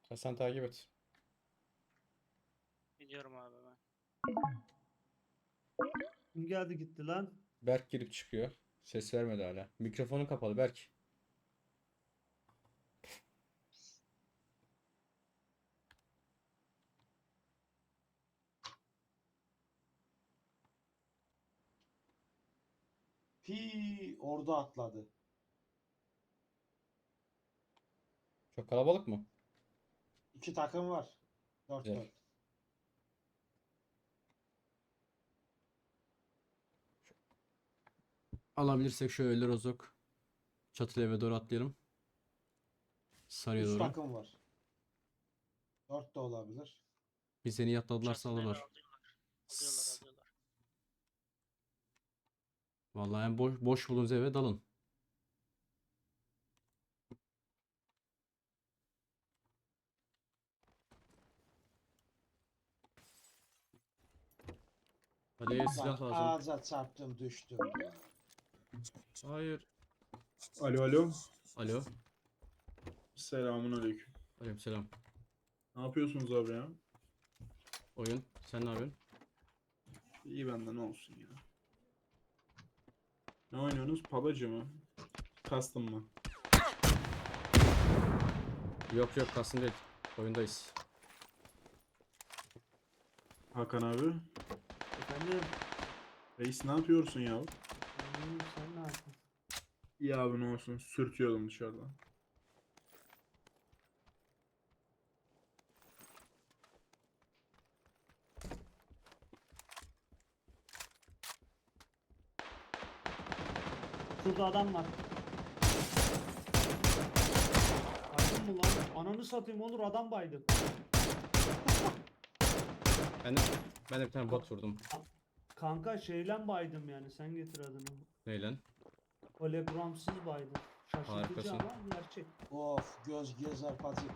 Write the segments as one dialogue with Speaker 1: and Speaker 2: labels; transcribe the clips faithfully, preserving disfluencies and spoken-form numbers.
Speaker 1: Ya sen takip et.
Speaker 2: Gidiyorum abi ben.
Speaker 3: Kim geldi gitti lan?
Speaker 1: Berk girip çıkıyor. Ses vermedi hala. Mikrofonu kapalı Berk.
Speaker 4: Pi orada atladı.
Speaker 1: Çok kalabalık mı?
Speaker 4: İki takım var. Dört
Speaker 1: Güzel.
Speaker 4: dört.
Speaker 5: Alabilirsek şöyle rozok. Çatılı eve doğru atlayalım. Sarıya
Speaker 4: Üç
Speaker 5: doğru.
Speaker 4: takım var. Dört de olabilir.
Speaker 5: Bir seni yatladılarsa
Speaker 2: Çatıda eve
Speaker 5: alırlar.
Speaker 2: alıyorlar. Alıyorlar alıyorlar.
Speaker 5: Vallahi en boş, boş bulunuz eve dalın. Hadi
Speaker 4: Lan
Speaker 5: silah lazım.
Speaker 4: ağaca çarptım düştüm ya.
Speaker 5: Hayır.
Speaker 6: Alo alo.
Speaker 5: Alo.
Speaker 6: Selamun aleyküm.
Speaker 5: Aleykümselam.
Speaker 6: Ne yapıyorsunuz abi ya?
Speaker 5: Oyun. Sen ne yapıyorsun?
Speaker 6: İyi benden ne olsun ya. Ne oynuyorsunuz? Pabacı mı? Custom mı?
Speaker 5: Yok yok kastım değil. Oyundayız.
Speaker 6: Hakan abi.
Speaker 3: Efendim.
Speaker 6: Reis ne yapıyorsun ya?
Speaker 3: Hmm, sen ne yaptın?
Speaker 6: İyi abi ne olsun. Sürtüyordum dışarıdan.
Speaker 3: Şurada adam var. Baydın mı lan? Ananı satayım olur adam baydı.
Speaker 5: Ben de, ben de bir tane bot vurdum.
Speaker 3: Kanka şeyle baydım yani sen getir adını.
Speaker 5: Neyle?
Speaker 3: Hologramsız baydım. Şaşırtıcı
Speaker 5: Harikasın.
Speaker 3: ama gerçek.
Speaker 4: Of göz gezer pacık.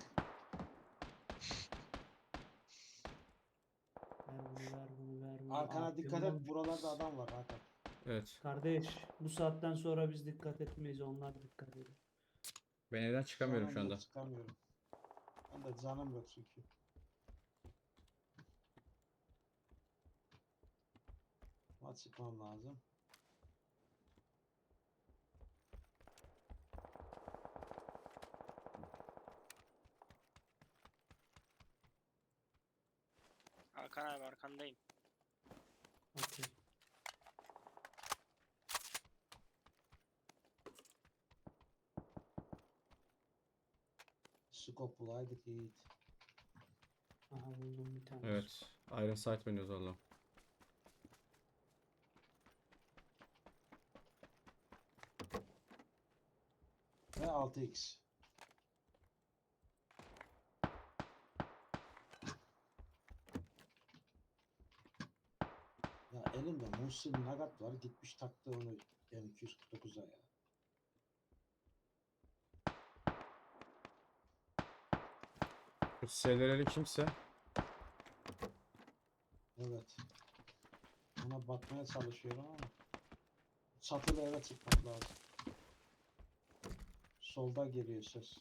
Speaker 3: Ver bunu ver bunu ver bunu.
Speaker 4: Arkana
Speaker 3: Aferin
Speaker 4: dikkat et.
Speaker 3: oğlum.
Speaker 4: Buralarda adam var Hakan.
Speaker 5: Evet.
Speaker 3: Kardeş bu saatten sonra biz dikkat etmeyiz onlar dikkat ediyor.
Speaker 5: Ben evden çıkamıyorum
Speaker 4: Canım
Speaker 5: şu anda.
Speaker 4: yok, çıkamıyorum. Ben de canım yok çünkü. Ama çıkmam lazım.
Speaker 2: Hakan abi arkandayım.
Speaker 3: Okey.
Speaker 4: Skop bulaydık Yiğit.
Speaker 3: Aha buldum bir tane.
Speaker 5: Evet. Iron Sight oynuyoruz valla.
Speaker 4: Ve altı x. Ya elimde Muhsin Nagat var. Gitmiş taktı onu M iki yüz kırk dokuza ya.
Speaker 5: Bu şeyleri kimse.
Speaker 4: Evet. Ona bakmaya çalışıyorum ama çatıda eve çıkmak lazım. Solda geliyor ses.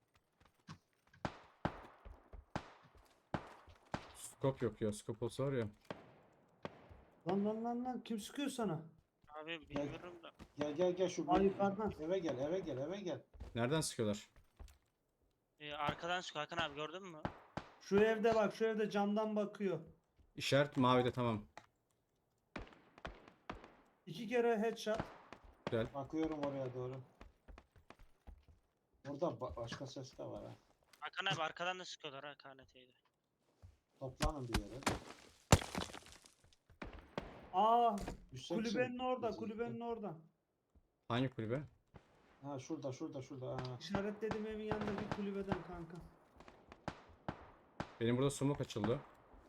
Speaker 5: Scope yok ya. Scope olsa var ya.
Speaker 3: Lan lan lan lan kim sıkıyor sana?
Speaker 2: Abi bilmiyorum da.
Speaker 4: Gel gel gel şu
Speaker 3: Ay
Speaker 4: bir-
Speaker 3: yukarıdan.
Speaker 4: eve gel eve gel eve gel.
Speaker 5: Nereden sıkıyorlar?
Speaker 2: Ee, arkadan çık Hakan abi gördün mü?
Speaker 3: Şu evde bak şu evde camdan bakıyor.
Speaker 5: İşaret mavide tamam.
Speaker 3: İki kere headshot.
Speaker 5: Güzel.
Speaker 4: Bakıyorum oraya doğru. Orada ba- başka ses de var ha.
Speaker 2: Hakan abi arkadan da sıkıyorlar ha K N T'yi.
Speaker 4: Toplanın bir yere.
Speaker 3: Aa
Speaker 4: Düşeceksin.
Speaker 3: kulübenin orada
Speaker 4: Düşeceksin.
Speaker 3: kulübenin orada.
Speaker 5: Hangi kulübe?
Speaker 4: Ha şurada şurada şurada. Ha.
Speaker 3: İşaretledim evin yanında bir kulübeden kanka.
Speaker 5: Benim burada smoke açıldı.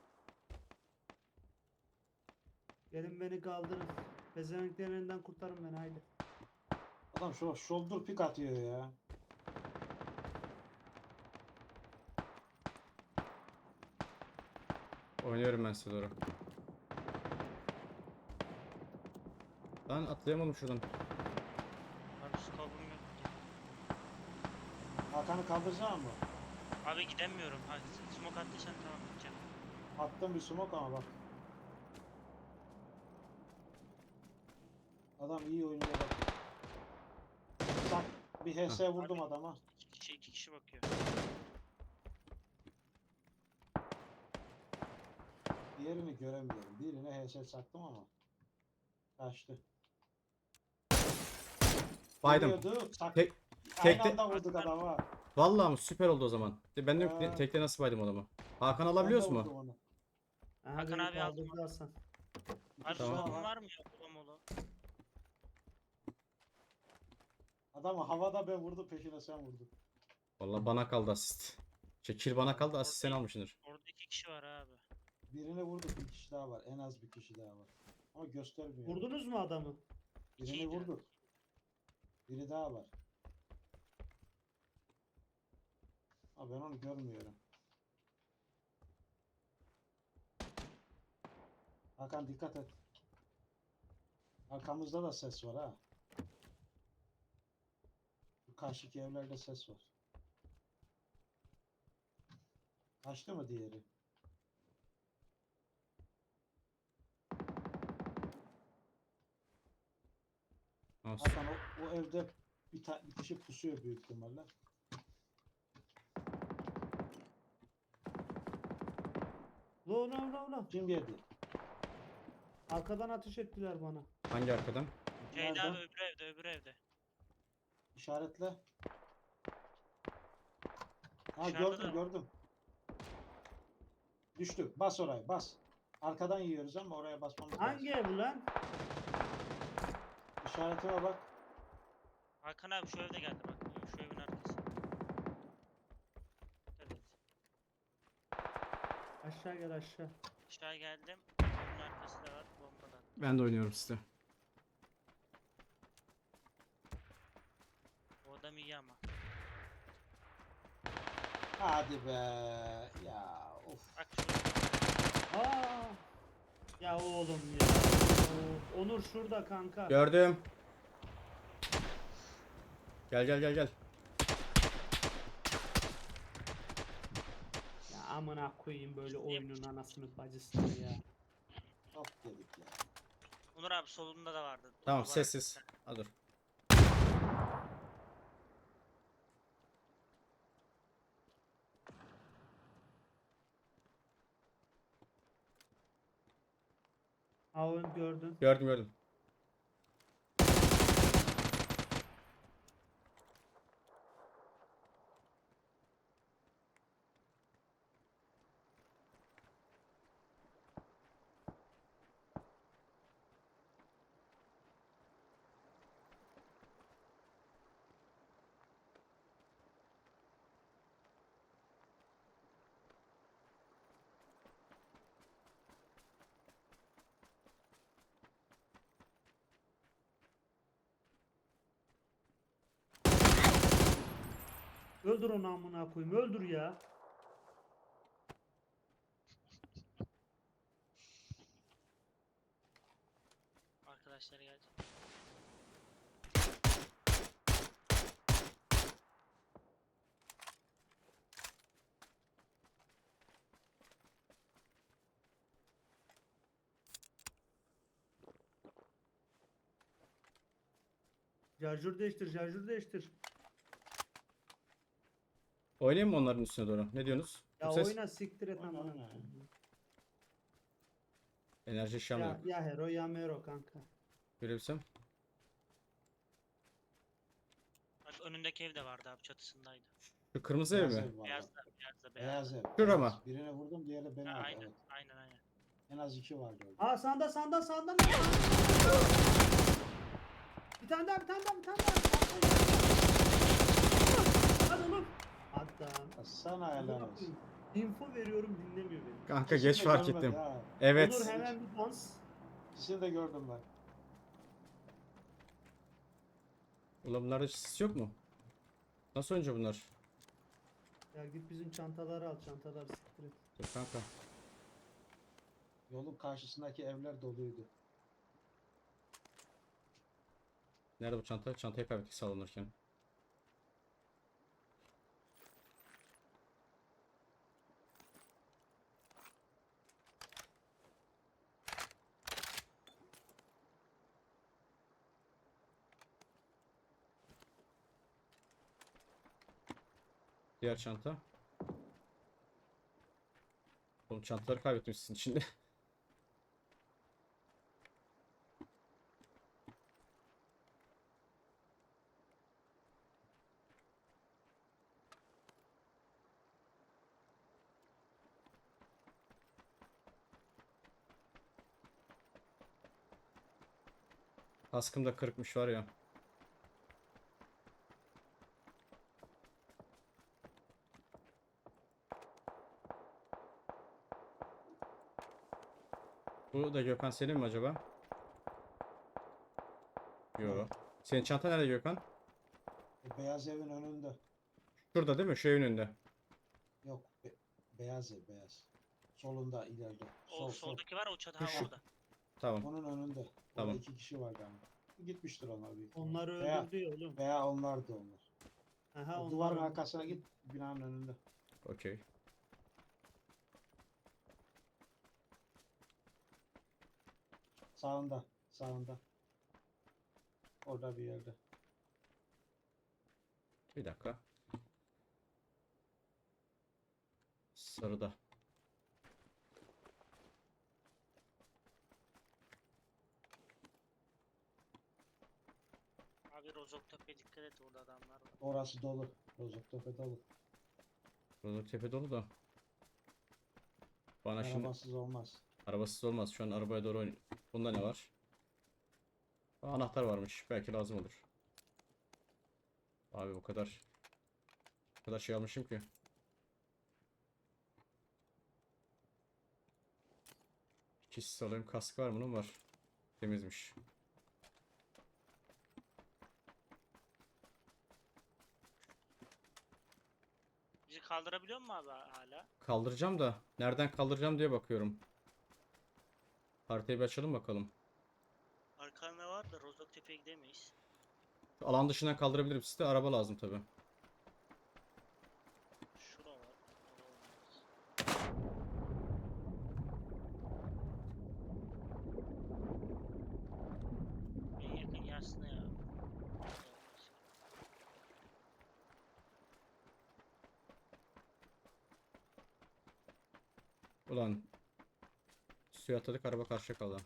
Speaker 3: Gelin beni kaldırın. Pezevenklerin elinden kurtarın beni haydi.
Speaker 4: Adam şu shoulder pick atıyor ya.
Speaker 5: Oynuyorum ben size doğru. Lan atlayamadım şuradan.
Speaker 2: Abi skopum yok.
Speaker 4: Hakan'ı kaldıracak mı?
Speaker 2: Abi gidemiyorum. Ha, smoke attıysan tamam gideceğim.
Speaker 4: Attım bir smoke ama bak. Adam iyi oynuyor bak. Bak bir H S vurdum adama.
Speaker 2: İki kişi, iki kişi bakıyor.
Speaker 4: Diğerini göremiyorum. Birine H S çaktım ama. Kaçtı.
Speaker 5: Baydım.
Speaker 4: Geliyordu, çak-
Speaker 5: Tek,
Speaker 4: Aynı
Speaker 5: tekte-
Speaker 4: anda vurduk adama.
Speaker 5: Vallahi mi? Süper oldu o zaman. De Ben de yok,
Speaker 4: Ha.
Speaker 5: tekte nasıl baydım adamı? Hakan
Speaker 4: Ben de
Speaker 5: alabiliyoruz
Speaker 4: vurdum
Speaker 5: mu?
Speaker 4: onu.
Speaker 3: Aha,
Speaker 2: Hakan
Speaker 3: beni
Speaker 2: abi aldım.
Speaker 3: kaldırdı Hasan.
Speaker 2: Abi
Speaker 4: Tamam.
Speaker 2: smoke'un var mı ya? Ola mola.
Speaker 4: Adamı havada ben vurdum, peşine sen vurdun.
Speaker 5: Vallahi bana kaldı asist. Şey, kill bana kaldı, asist sen almışsındır.
Speaker 2: Orada iki kişi var abi.
Speaker 4: Birini vurduk, bir kişi daha var. En az bir kişi daha var. Ama göstermiyor.
Speaker 3: Vurdunuz mu adamı?
Speaker 4: Birini
Speaker 2: İkiydi.
Speaker 4: vurduk. Biri daha var. Ama ben onu görmüyorum. Hakan dikkat et. Arkamızda da ses var ha. Bu karşıki evlerde ses var. Kaçtı mı diğeri?
Speaker 5: Nasıl?
Speaker 4: Hakan o, o evde bir, ta- bir kişi pusuyor büyük ihtimalle.
Speaker 3: Lo lo lo lo.
Speaker 4: Kim yedi?
Speaker 3: Arkadan ateş ettiler bana.
Speaker 5: Hangi arkadan?
Speaker 2: Şeyde
Speaker 4: Nerede?
Speaker 2: abi öbür evde öbür evde.
Speaker 4: İşaretle. Ha
Speaker 2: Dışarıda
Speaker 4: gördüm
Speaker 2: da.
Speaker 4: gördüm. Düştü. Bas oraya bas. Arkadan yiyoruz ama oraya basmamız lazım.
Speaker 3: Hangi ev lan?
Speaker 4: İşaretime bak.
Speaker 2: Hakan abi şu evde geldi bak. Şu evin arkası. Dikkat et.
Speaker 3: Aşağı gel aşağı.
Speaker 2: Aşağı geldim. Bunun arkası da var. Bombadan.
Speaker 5: Ben de oynuyorum size.
Speaker 2: O adam iyi ama.
Speaker 4: Hadi be. Ya of.
Speaker 2: Bak şurada.
Speaker 3: Aa! Ya oğlum ya. Of, Onur şurada kanka.
Speaker 5: Gördüm. Gel gel gel gel.
Speaker 3: Ya amına koyayım böyle oyunun anasını bacısını ya.
Speaker 4: Of dedik ya.
Speaker 2: Onur abi solunda da vardı.
Speaker 5: Tamam,
Speaker 2: Duvar
Speaker 5: sessiz.
Speaker 2: arkasında.
Speaker 5: Ha, dur.
Speaker 3: Avun gördün.
Speaker 5: Gördüm gördüm.
Speaker 3: Öldür onu amına koyayım. Öldür ya.
Speaker 2: Arkadaşları gelecek.
Speaker 3: Şarjör değiştir, şarjör değiştir.
Speaker 5: Oynayayım mı onların üstüne doğru? Ne diyorsunuz?
Speaker 3: Ya
Speaker 5: Bu ses
Speaker 3: oyna siktir et
Speaker 4: Oyna,
Speaker 3: amına
Speaker 4: oyna.
Speaker 3: koyayım.
Speaker 5: enerji işlem
Speaker 3: Ya,
Speaker 5: yok.
Speaker 3: ya hero ya mero kanka.
Speaker 5: Görebilsem.
Speaker 2: Bak önündeki ev de vardı abi çatısındaydı.
Speaker 5: Şu kırmızı ev
Speaker 4: Beyaz
Speaker 5: mi?
Speaker 4: ev var
Speaker 2: Beyaz
Speaker 4: bak.
Speaker 2: da beyaz da beyaz.
Speaker 4: Beyaz ev.
Speaker 5: Şura
Speaker 4: beyaz.
Speaker 5: mı?
Speaker 4: Birine vurdum, diğeri beni
Speaker 2: Ha,
Speaker 4: aldı.
Speaker 2: aynen
Speaker 4: Evet.
Speaker 2: aynen aynen.
Speaker 4: En az iki vardı orada.
Speaker 3: Aa sanda sanda sanda. Bir tane daha bir tane daha bir tane daha. Hadi oğlum. Hatta.
Speaker 4: Ya sana helal olsun.
Speaker 3: Info veriyorum dinlemiyor beni.
Speaker 5: Kanka
Speaker 4: İkisini
Speaker 5: geç
Speaker 4: de
Speaker 5: fark
Speaker 4: görmedi
Speaker 5: ettim.
Speaker 4: ha.
Speaker 5: Evet.
Speaker 3: Onur hemen bir dans.
Speaker 4: İkisini de gördüm ben.
Speaker 5: Ulan bunlarda sis yok mu? Nasıl oyuncu bunlar?
Speaker 3: Ya git bizim çantaları al çantaları siktir et.
Speaker 5: Dur kanka.
Speaker 4: Yolun karşısındaki evler doluydu.
Speaker 5: Nerede bu çanta? Çantayı kaybettik sallanırken. Diğer çanta. Oğlum çantaları kaybetmişsin şimdi. Kaskım da kırıkmış var ya. Bu da Gökhan senin mi acaba? Yok. Senin çanta nerede Gökhan?
Speaker 4: E, beyaz evin önünde.
Speaker 5: Şurada değil mi? Şu evin önünde.
Speaker 4: Yok. be- beyaz ev beyaz. Solunda ileride.
Speaker 2: O
Speaker 4: Sol sol.
Speaker 2: soldaki var, o çatı ha
Speaker 5: Şu-
Speaker 2: orada.
Speaker 5: Tamam.
Speaker 4: Onun önünde. Orada
Speaker 5: Tamam.
Speaker 4: iki kişi vardı ama. Gitmiştir onlar büyük ihtimalle.
Speaker 3: Onları
Speaker 4: Veya,
Speaker 3: öldürdü ya oğlum.
Speaker 4: veya onlardı onlar.
Speaker 3: Aha,
Speaker 4: O
Speaker 3: onlar
Speaker 4: duvarın
Speaker 3: öldürdü.
Speaker 4: arkasına git. Binanın önünde.
Speaker 5: Okey.
Speaker 4: Sağında. Sağında. Orada bir yerde.
Speaker 5: Bir dakika. Sarıda.
Speaker 2: Abi Rozoktepe dikkat et, orada adamlar var.
Speaker 4: Orası dolu. Rozoktepe dolu.
Speaker 5: Rozok tepe dolu da. Bana şimdi
Speaker 4: Arabasız olmaz.
Speaker 5: arabasız olmaz. Şu an arabaya doğru oyun. Bunda ne var? Aa, anahtar varmış. Belki lazım olur. Abi bu kadar. Bu kadar şey almışım ki. İkisi alayım. Kask var mı? Bunun var. Temizmiş.
Speaker 2: Bizi kaldırabiliyor mu abi hala?
Speaker 5: Kaldıracağım da. Nereden kaldıracağım diye bakıyorum. Haritayı bir açalım bakalım.
Speaker 2: Arkanda var da Rozoktepe'ye gidemeyiz.
Speaker 5: Şu alan dışından kaldırabilirim. Size araba lazım tabi.
Speaker 2: Şura var. orada olmaz. En yakın yaslı ya. Olmaz.
Speaker 5: Ulan. Suya atladık, araba karşıya kaldı.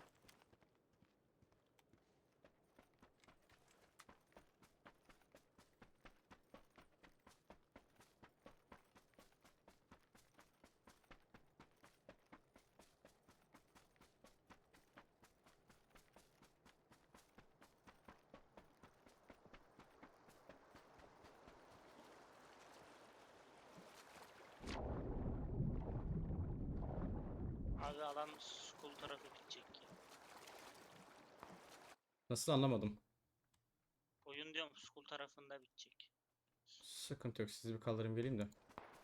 Speaker 2: Abi alan school tarafı gidecek ya.
Speaker 5: Nasıl anlamadım.
Speaker 2: Oyun diyorum, school tarafında bitecek.
Speaker 5: Sıkıntı yok. Sizi bir kaldırayım geleyim de.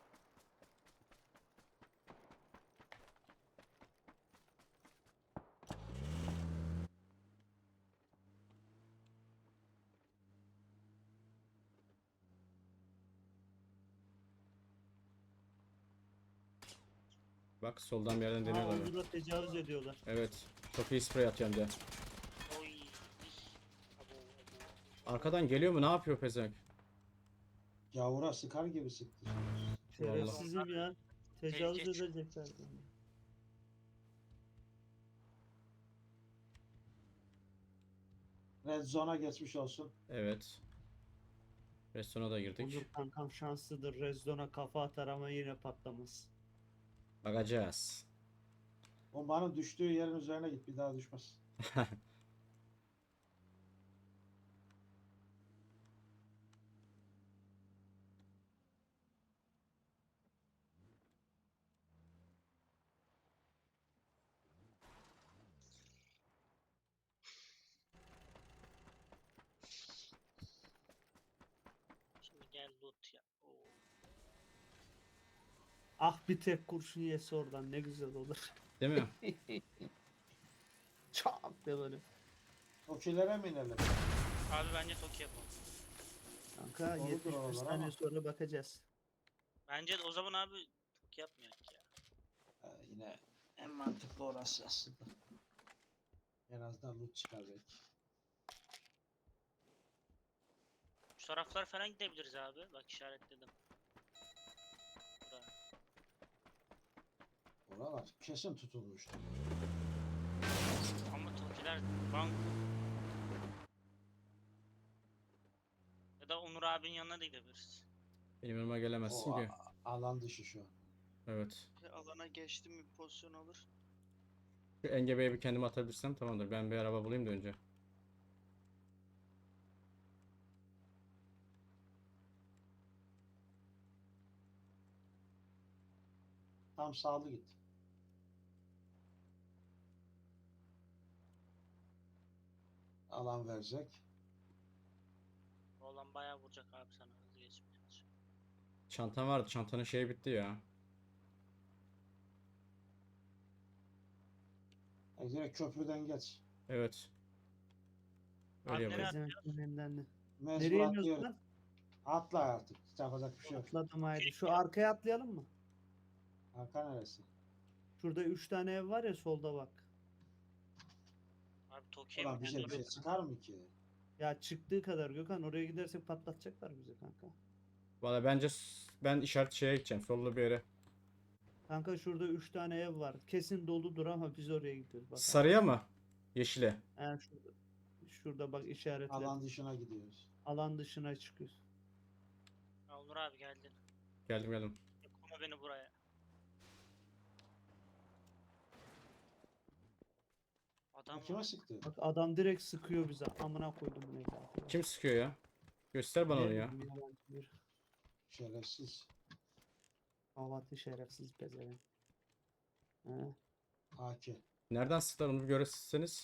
Speaker 5: Bak soldan bir yerden
Speaker 3: Aa,
Speaker 5: deniyorlar.
Speaker 3: onu da tecavüz ediyorlar.
Speaker 5: Evet. Çok iyi sprey atıyor hem de.
Speaker 2: Oy. Abo, abo.
Speaker 5: Arkadan geliyor mu? Ne yapıyor pezevenk?
Speaker 4: Gavura sıkar gibi sıktı.
Speaker 3: Şerefsizim ya. Tecavüz
Speaker 2: Tehlike çık-
Speaker 3: edecekler. beni.
Speaker 4: Red zone'a geçmiş olsun.
Speaker 5: Evet. Restorana da girdik.
Speaker 3: Onur kankam şanslıdır. Rezdon'a kafa atar ama yine patlamaz.
Speaker 5: Bakacağız.
Speaker 4: Bombanın düştüğü yerin üzerine git. Bir daha düşmez.
Speaker 2: Şimdi gel loot ya. Oo.
Speaker 3: Ah, bir tek kurşun yese oradan ne güzel olur.
Speaker 5: Değil mi?
Speaker 3: Çok de böyle.
Speaker 4: Tokilere mi inelim?
Speaker 2: Abi bence Toki yapalım.
Speaker 3: Kanka
Speaker 4: Doğrudur
Speaker 3: yetmiş beş
Speaker 4: oralar
Speaker 3: saniye
Speaker 4: ama.
Speaker 3: sonra bakacağız.
Speaker 2: Bence de o zaman abi Toki yapmayak ya.
Speaker 4: Ha, yine en mantıklı orası aslında. En azından loot çıkar belki.
Speaker 2: Şu taraflar falan gidebiliriz abi. Bak işaretledim.
Speaker 4: Buralar kesin tutulmuştu.
Speaker 2: Ama Tokiler bank. Ya da Onur abinin yanına da gidebiliriz.
Speaker 5: Benim yanıma gelemezsin
Speaker 4: O
Speaker 5: ki.
Speaker 4: a- alan dışı şu an.
Speaker 5: Evet.
Speaker 7: Alana geçtim bir pozisyon alır.
Speaker 5: Şu engebeye bir kendimi atabilirsem tamamdır. Ben bir araba bulayım da önce.
Speaker 4: Tam sağlı git. Alan verecek.
Speaker 2: Bu olan bayağı vuracak abi sana hızlı geçmeye çalışıyor.
Speaker 5: Çantam vardı. Çantanın şeyi bitti ya.
Speaker 4: E, direkt köprüden geç.
Speaker 5: Evet. Öyle
Speaker 2: Abi
Speaker 5: yapayım.
Speaker 2: nereye-
Speaker 3: Pezevenklerin elinden de.
Speaker 4: Mecbur
Speaker 3: Nereye iniyoruz
Speaker 4: atlayalım.
Speaker 3: lan?
Speaker 4: Atla artık. Yapacak bir şey yok.
Speaker 3: Atladım haydi. Şu arkaya atlayalım mı?
Speaker 4: Arka neresi?
Speaker 3: Şurada üç tane ev var ya solda bak.
Speaker 2: Abi Toki'ye
Speaker 4: Ulan
Speaker 2: mi
Speaker 4: bize bir
Speaker 2: geldi?
Speaker 4: şey çıkar mı ki?
Speaker 3: Ya çıktığı kadar Gökhan, oraya gidersek patlatacaklar bizi kanka.
Speaker 5: Valla bence s- ben işaret şeye gideceğim. Sollu bir yere.
Speaker 3: Kanka şurada üç tane ev var. Kesin doludur ama biz oraya gidiyoruz. Bak.
Speaker 5: Sarıya mı? Yeşile.
Speaker 3: Ha, şurada. Şurada bak işaretler.
Speaker 4: Alan
Speaker 3: Alan,
Speaker 4: dışına gidiyoruz.
Speaker 3: dışına çıkıyoruz.
Speaker 2: Ha, Onur abi geldin.
Speaker 5: Geldim geldim.
Speaker 2: Yakma beni buraya. Adam
Speaker 4: Bu kime
Speaker 2: var.
Speaker 4: sıktı?
Speaker 3: Bak adam direkt sıkıyor bize. Amına koydum bunu evladı.
Speaker 5: Kim sıkıyor ya? Göster bana onu ya.
Speaker 3: Bir yabancı bir
Speaker 4: Şerefsiz.
Speaker 3: havatı şerefsiz pezevenk. He.
Speaker 4: A K.
Speaker 5: Nereden sıktılar onu bir görseniz.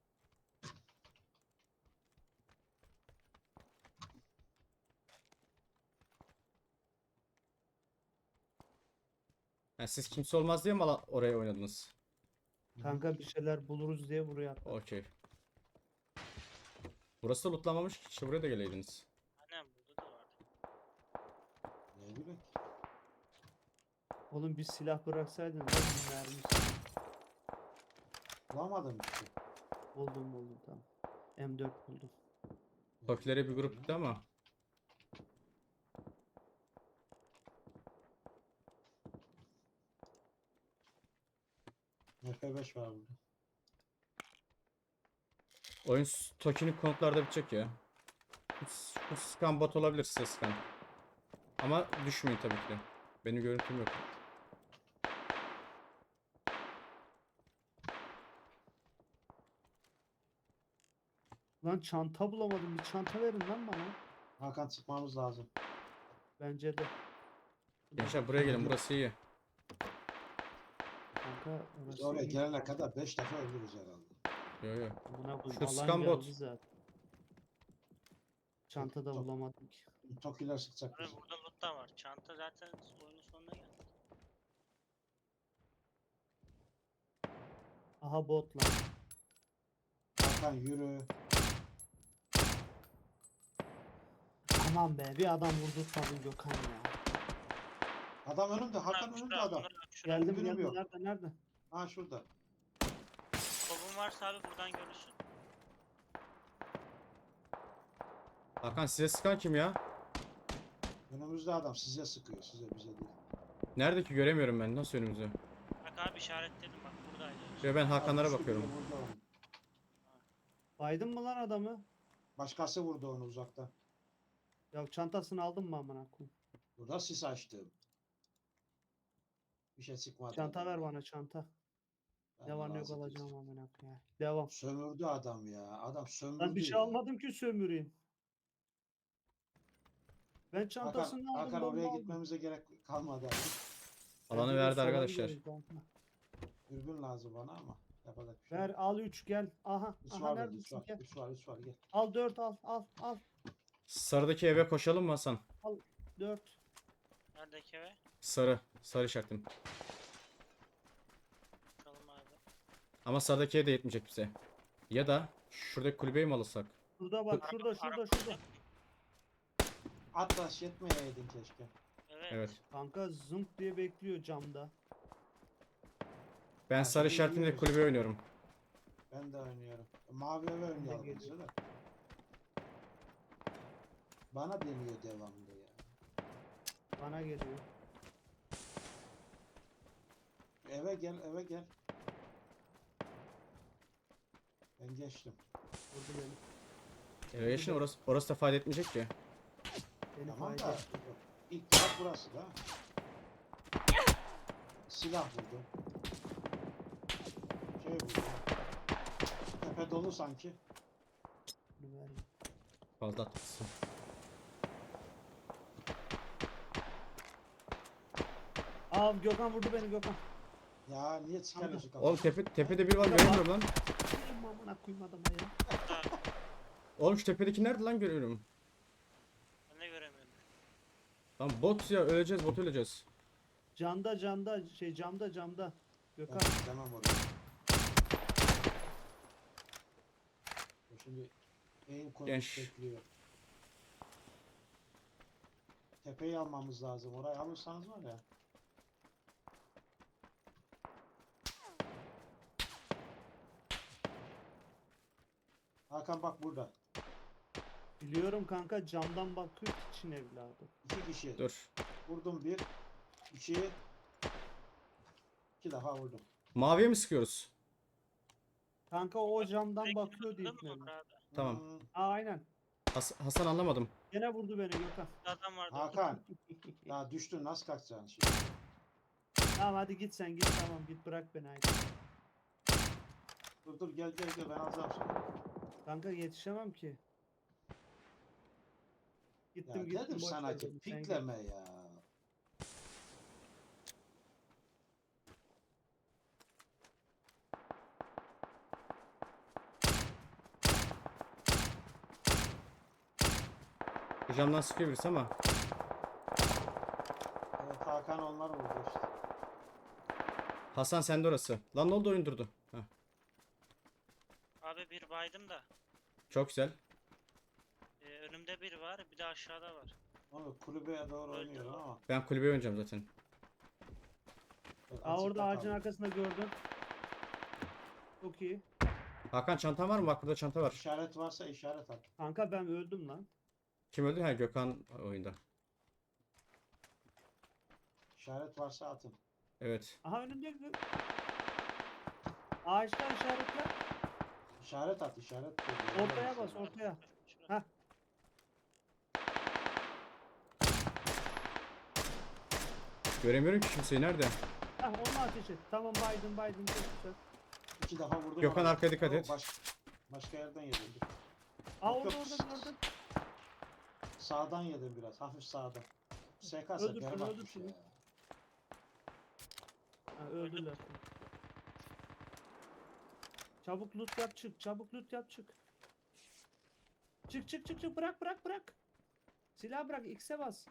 Speaker 5: Ha, siz kimse olmaz diye mi ala- oraya oynadınız?
Speaker 3: Kanka bir şeyler buluruz diye buraya atladım.
Speaker 5: Okey. Burası da lootlamamış ki. İşte buraya da geleydiniz.
Speaker 2: Aynen burada da vardı.
Speaker 4: Ne bileyim.
Speaker 3: Oğlum bir silah bıraksaydın lan bir mermisi.
Speaker 4: Bulamadım işte.
Speaker 3: Buldum buldum tamam. M dört buldum.
Speaker 5: Tokilere bir grup gitti ama.
Speaker 4: M P beş var burada.
Speaker 5: Oyun s- Toki'nin konutlarda bitecek ya. Bu- Bu scan bot olabilir, size scan. Ama düşmeyin tabii ki de. Benim görüntüm yok.
Speaker 3: Lan çanta bulamadım. Bir çanta verin lan bana.
Speaker 4: Hakan çıkmamız lazım.
Speaker 3: Bence de.
Speaker 5: Gençler buraya gelin, burası iyi.
Speaker 3: Kanka
Speaker 4: Biz
Speaker 3: orası
Speaker 4: oraya
Speaker 3: iyi.
Speaker 4: gelene kadar beş defa ölürüz herhalde.
Speaker 5: Yo yo.
Speaker 3: Buna bu
Speaker 5: Şu
Speaker 3: alan
Speaker 5: scan bot.
Speaker 3: geldi zaten. Çanta da
Speaker 4: Çok-
Speaker 3: bulamadım ki.
Speaker 4: Tokiler sıkacak
Speaker 2: Abi
Speaker 4: bizi.
Speaker 2: burada loot da var. Çanta zaten oyunun sonuna geldi.
Speaker 3: Aha bot lan.
Speaker 4: Hakan yürü.
Speaker 3: Aman be bir adam vurdurtmadın Gökhan ya.
Speaker 4: Adam önümde. Hakan
Speaker 2: Onur abi,
Speaker 4: önümde
Speaker 2: şurada,
Speaker 4: adam.
Speaker 2: Onur abi, şurada.
Speaker 3: Geldim
Speaker 4: Dürbünüm
Speaker 3: geldim.
Speaker 4: yok.
Speaker 3: Nerede nerede?
Speaker 4: Ha şurada.
Speaker 2: Kolun varsa abi buradan görürsün.
Speaker 5: Hakan, size scan kim ya?
Speaker 4: Önümüzde adam size sıkıyor. Size bize değil.
Speaker 5: Nerede ki, göremiyorum ben. Nasıl önümüzde?
Speaker 2: Bak abi işaretledim bak buradaydı.
Speaker 5: Yo, ben Hakanlara
Speaker 4: Abi şu
Speaker 5: bakıyorum.
Speaker 4: biri vurdu onu.
Speaker 3: Baydın mı lan adamı?
Speaker 4: Başkası vurdu onu uzaktan.
Speaker 3: Ya çantasını aldın mı amına koyayım?
Speaker 4: Burada sis açtım. Bir şey çıkmadı.
Speaker 3: Çanta ver bana çanta.
Speaker 4: Ben
Speaker 3: Ne var ne yok
Speaker 4: razı değilim.
Speaker 3: alacağım amına koyayım. Devam.
Speaker 4: Sömürdü adam ya. Adam sömürdü
Speaker 3: Ben bir şey
Speaker 4: ya.
Speaker 3: almadım ki sömüreyim. Ben
Speaker 4: Hakan,
Speaker 3: çantasını aldım.
Speaker 4: Hakan
Speaker 3: bomba
Speaker 4: oraya
Speaker 3: aldım.
Speaker 4: gitmemize gerek kalmadı abi.
Speaker 5: Alanı
Speaker 3: Bence de
Speaker 5: verdi
Speaker 3: sola
Speaker 5: arkadaşlar.
Speaker 3: gidiyoruz kanka.
Speaker 4: Dürbün lazım bana ama yapacak bir şey
Speaker 3: Ver
Speaker 4: yok.
Speaker 3: al üç gel. Aha.
Speaker 4: Üç
Speaker 3: Aha
Speaker 4: var dedi, üç
Speaker 3: neredesin
Speaker 4: var.
Speaker 3: gel.
Speaker 4: Üç var, üç var gel.
Speaker 3: Al dört al al al.
Speaker 5: Sarıdaki eve koşalım mı Hasan?
Speaker 3: Dört.
Speaker 2: Neredeki eve?
Speaker 5: Sarı. Sarı işaretim.
Speaker 2: Bakalım abi.
Speaker 5: Ama sarıdaki ev de yetmeyecek bize. Ya da şuradaki kulübeyi mi alırsak?
Speaker 3: Şurada bak şurada
Speaker 2: Araba-
Speaker 3: şurada
Speaker 2: araba-
Speaker 3: şurada.
Speaker 4: Atlas yetmeyeydin keşke.
Speaker 2: Evet.
Speaker 5: Evet.
Speaker 3: Kanka zımp diye bekliyor camda.
Speaker 5: Ben
Speaker 4: Ha,
Speaker 5: sarı
Speaker 4: şimdi
Speaker 5: işaretimle
Speaker 4: gidiyoruz.
Speaker 5: kulübe oynuyorum.
Speaker 4: Ben de oynuyorum. Mavi eve oynayalım
Speaker 3: geliyor.
Speaker 4: bize de. Bana deniyor devamlı ya.
Speaker 3: Bana geliyor.
Speaker 4: eve gel eve gel. Ben geçtim.
Speaker 3: Vurdu beni.
Speaker 5: Eve geçin, orası, orası da fayda etmeyecek ki.
Speaker 3: Beni
Speaker 4: Tamam
Speaker 3: fayda
Speaker 4: da
Speaker 3: etti.
Speaker 4: ilk taraf burası da. Silah vurdu. Şey vurdu. Tepe dolu sanki.
Speaker 3: Bunu ver.
Speaker 5: Fazla atmışsın.
Speaker 3: Aa Gökhan vurdu beni Gökhan.
Speaker 4: Ya niye çıkarıyorsun
Speaker 5: Oğlum
Speaker 4: kafayı?
Speaker 5: tepe, tepede biri var, göremiyorum lan.
Speaker 3: Benim amına koyayım adama ya.
Speaker 5: Oğlum şu tepedeki nerede lan, görüyorum.
Speaker 2: Ben de göremiyorum.
Speaker 5: Lan bot ya, öleceğiz, bot öleceğiz.
Speaker 3: Camda camda şey camda camda. Gökhan.
Speaker 4: Ben gidemem oraya. O Şimdi eğim koymuş
Speaker 5: Genç.
Speaker 4: bekliyor. Tepeyi almamız lazım. Orayı alırsanız var ya. Hakan bak burada.
Speaker 3: Biliyorum kanka camdan bakıyor için evladım.
Speaker 4: İki kişi.
Speaker 5: Dur.
Speaker 4: Vurdum bir. İki. İki defa vurdum.
Speaker 5: Maviye mi sıkıyoruz?
Speaker 3: Kanka o camdan
Speaker 2: Direkt
Speaker 3: bakıyor
Speaker 2: vurdun
Speaker 3: deyip
Speaker 2: mu
Speaker 3: ne?
Speaker 2: Murat abi?
Speaker 5: Tamam.
Speaker 4: Hmm,
Speaker 3: Aa aynen.
Speaker 5: Has- Hasan anlamadım.
Speaker 3: Gene vurdu beni Gökhan.
Speaker 2: Bir adam vardı.
Speaker 4: Hakan. Ya düştün nasıl kalkacaksın şimdi?
Speaker 3: Tamam hadi git sen git tamam git bırak beni haydi.
Speaker 4: Dur dur gel gel gel ben alacağım seni.
Speaker 3: Kanka yetişemem ki.
Speaker 4: Ya
Speaker 3: Gittim gittim.
Speaker 4: dedim
Speaker 3: boş
Speaker 4: sana
Speaker 3: ver
Speaker 4: ki
Speaker 3: dedim, sen git.
Speaker 4: pikleme ya.
Speaker 5: Bu camdan sıkıyor birisi ama.
Speaker 4: Evet Hakan onlar vurdu işte.
Speaker 5: Hasan sende orası. Lan ne oldu, oyun durdu. Heh,
Speaker 2: Abi bir baydım da.
Speaker 5: çok güzel.
Speaker 2: Ee, önümde biri var, bir de aşağıda var.
Speaker 4: Onu kulübeye doğru
Speaker 2: Öldü
Speaker 4: oynuyorum
Speaker 2: o.
Speaker 4: ama.
Speaker 5: Ben kulübeye oynayacağım zaten.
Speaker 3: Aa orada
Speaker 4: açıkta
Speaker 3: ağacın
Speaker 4: kaldı.
Speaker 3: arkasında gördüm. Çok iyi.
Speaker 5: Hakan çantan var mı? Bak burada çanta var.
Speaker 4: İşaret varsa işaret at.
Speaker 3: Kanka ben öldüm lan.
Speaker 5: Kim öldü? Ha, Gökhan oyunda.
Speaker 4: İşaret varsa atın.
Speaker 5: Evet.
Speaker 3: Aha önünde gö- Ağaçlar işaretler.
Speaker 4: İşaret at işaret.
Speaker 3: Ortaya bas ortaya. Heh.
Speaker 5: Göremiyorum ki kimseyi, nerede?
Speaker 3: Heh onu ateş et. Tamam Biden Biden çok güzel.
Speaker 4: İki defa vurdum.
Speaker 5: Gökhan
Speaker 4: ona.
Speaker 5: arkaya dikkat
Speaker 4: Yok,
Speaker 5: et.
Speaker 4: Baş, başka yerden yedim. Dur.
Speaker 3: Aa
Speaker 4: Yok,
Speaker 3: orada
Speaker 4: yok.
Speaker 3: orada gördüm.
Speaker 4: Sağdan yedim biraz. Hafif sağdan. S K
Speaker 3: Öldürsün,
Speaker 4: berbatmış
Speaker 3: öldürsün.
Speaker 4: ya.
Speaker 3: Ha, öldüler. Çabuk loot yap çık. Çabuk loot yap çık. Çık çık çık çık bırak bırak bırak. Silah bırak X'e bas.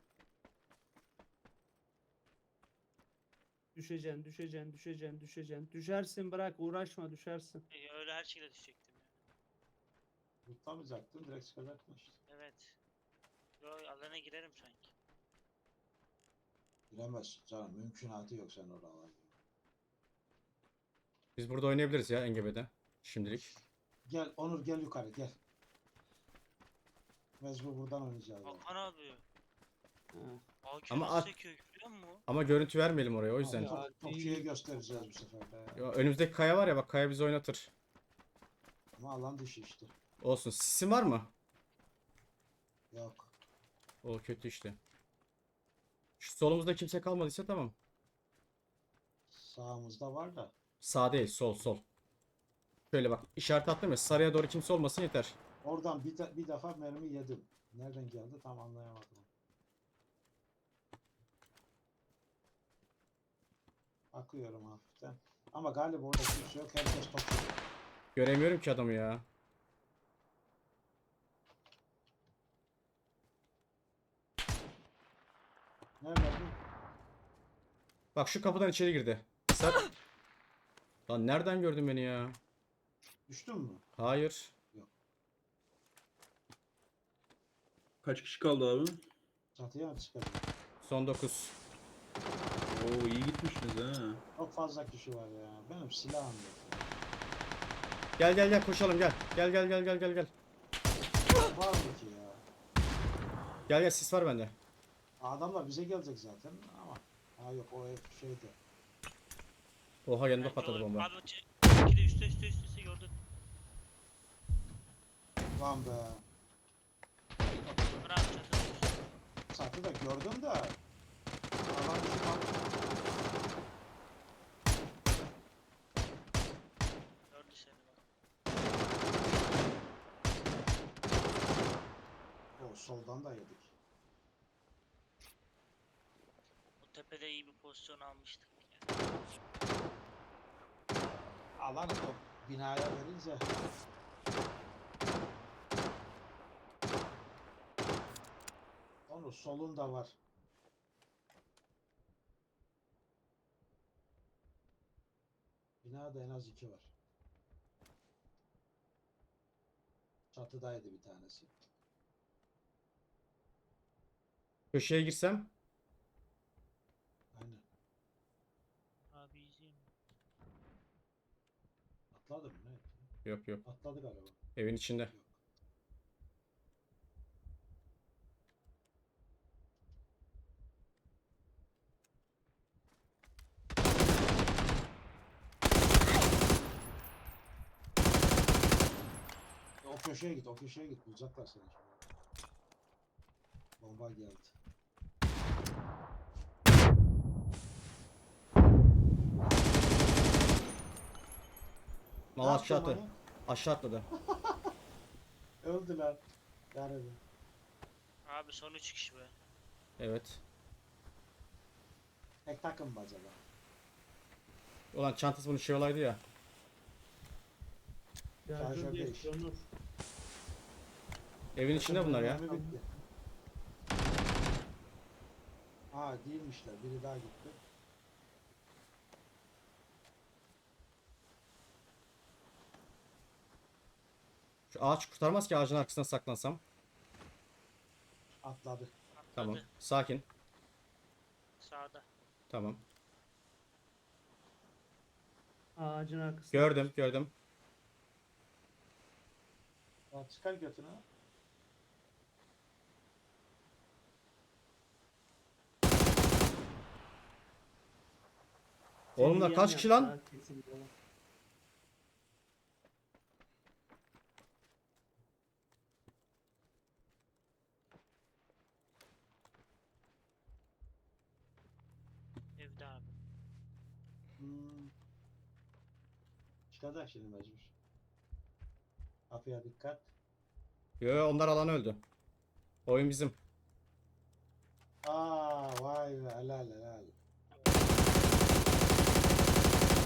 Speaker 3: Düşeceksin düşeceksin düşeceksin düşeceksin. Düşersin bırak uğraşma düşersin.
Speaker 2: Ee, öyle her şekilde düşecektim ya.
Speaker 4: Tutamayacaktın direkt çıkacaktın işte.
Speaker 2: Evet. Yo alana girerim sanki.
Speaker 4: Giremezsin canım. Mümkünatı yok sen oralarda.
Speaker 5: Biz burada oynayabiliriz ya engebede. Şimdilik.
Speaker 4: Gel Onur gel yukarı gel. Mecbur buradan oynayacağız. yani.
Speaker 2: Hakan abi.
Speaker 3: Ha.
Speaker 2: Hakan
Speaker 5: Ama
Speaker 2: nasıl
Speaker 5: at-
Speaker 2: sekiyor görüyor musun?
Speaker 5: Ama görüntü vermeyelim oraya, o yüzden.
Speaker 4: Top, topçuya göstereceğiz bu sefer de.
Speaker 5: Ya, önümüzdeki kaya var ya, bak kaya bizi oynatır.
Speaker 4: Ama alan dışı işte.
Speaker 5: Olsun. Sisin var mı?
Speaker 4: Yok.
Speaker 5: O kötü işte. Şu solumuzda kimse kalmadıysa tamam.
Speaker 4: Sağımızda var da.
Speaker 5: Sağ değil, sol sol. Şöyle bak, işaret attım ya, sarıya doğru kimse olmasın yeter.
Speaker 4: Oradan bir, de- bir defa mermi yedim. Nereden geldi tam anlayamadım. Bakıyorum hafiften. Ama galiba orada kimse yok. Herkes toplu.
Speaker 5: Göremiyorum ki adamı ya.
Speaker 4: Nerede bu?
Speaker 5: Bak şu kapıdan içeri girdi. Sar. Lan nereden gördün beni ya?
Speaker 4: Düştün mü?
Speaker 5: Hayır.
Speaker 6: Kaç kişi kaldı abi?
Speaker 4: Çatıya mı çıkacak?
Speaker 5: Son dokuz.
Speaker 6: Oo iyi gitmişsiniz ha.
Speaker 4: Çok fazla kişi var ya. Benim silahım yok.
Speaker 5: Gel gel gel koşalım gel. Gel gel gel gel gel gel.
Speaker 4: Var mı ki ya?
Speaker 5: Gel gel, sis var bende.
Speaker 4: Adamlar bize gelecek zaten ama. Ha yok o ev şeyde.
Speaker 5: Oha yanında
Speaker 2: Bence
Speaker 5: patladı
Speaker 2: o-
Speaker 5: bomba.
Speaker 2: Abi c- iki de üstte üstte üstte üstte gördün.
Speaker 4: Lan be.
Speaker 2: Ömer abi çatıda üstte.
Speaker 4: Satı da gördüm de. Alan dışı kaldı.
Speaker 2: Gördü seni bak.
Speaker 4: O soldan da yedik.
Speaker 2: O tepede iyi bir pozisyon almıştık. Ya.
Speaker 4: Alan o binaya verince. Onu solunda var. Binada en az iki var. Çatıdaydı bir tanesi.
Speaker 5: Köşeye girsem.
Speaker 4: Aynen.
Speaker 2: Abi izleyeyim.
Speaker 4: Atladı mı ne?
Speaker 5: Yok yok.
Speaker 4: Atladı galiba.
Speaker 5: Evin içinde.
Speaker 4: Yok. O köşeye git, o köşeye git. Bulacaklar seni şimdi. Bomba geldi.
Speaker 5: Mal
Speaker 4: Ne
Speaker 5: aşağı
Speaker 4: yaptın
Speaker 5: attı. Aşağı atladı.
Speaker 4: onu? Öldüler. Yani
Speaker 2: Abi son üç kişi be.
Speaker 5: Evet.
Speaker 4: tek takım mı acaba?
Speaker 5: Ulan çantası bunun şey olaydı ya.
Speaker 4: Şarjör
Speaker 3: Şarjör
Speaker 4: değiş.
Speaker 3: geçti Onur.
Speaker 5: Evin içinde bunlar ya.
Speaker 4: Mermi bitti. Aa değilmişler. Biri daha gitti.
Speaker 5: Şu ağaç kurtarmaz ki, ağacın arkasına saklansam.
Speaker 4: Atladı.
Speaker 2: Atladı.
Speaker 5: Tamam. Sakin.
Speaker 2: Sağda.
Speaker 5: Tamam.
Speaker 3: Ağacın arkasında.
Speaker 5: Gördüm gördüm.
Speaker 4: Ya çıkar götünü.
Speaker 5: Oğlum bunlar
Speaker 3: Seviyen
Speaker 5: kaç kişi
Speaker 3: yaptı
Speaker 5: lan?
Speaker 3: ha, kesin bu.
Speaker 2: Evde abi.
Speaker 4: Hmm. Çıkacak şimdi mecbur. Kapıya dikkat.
Speaker 5: Yo yo, onlar alan öldü. Oyun bizim.
Speaker 4: Aa vay be helal helal.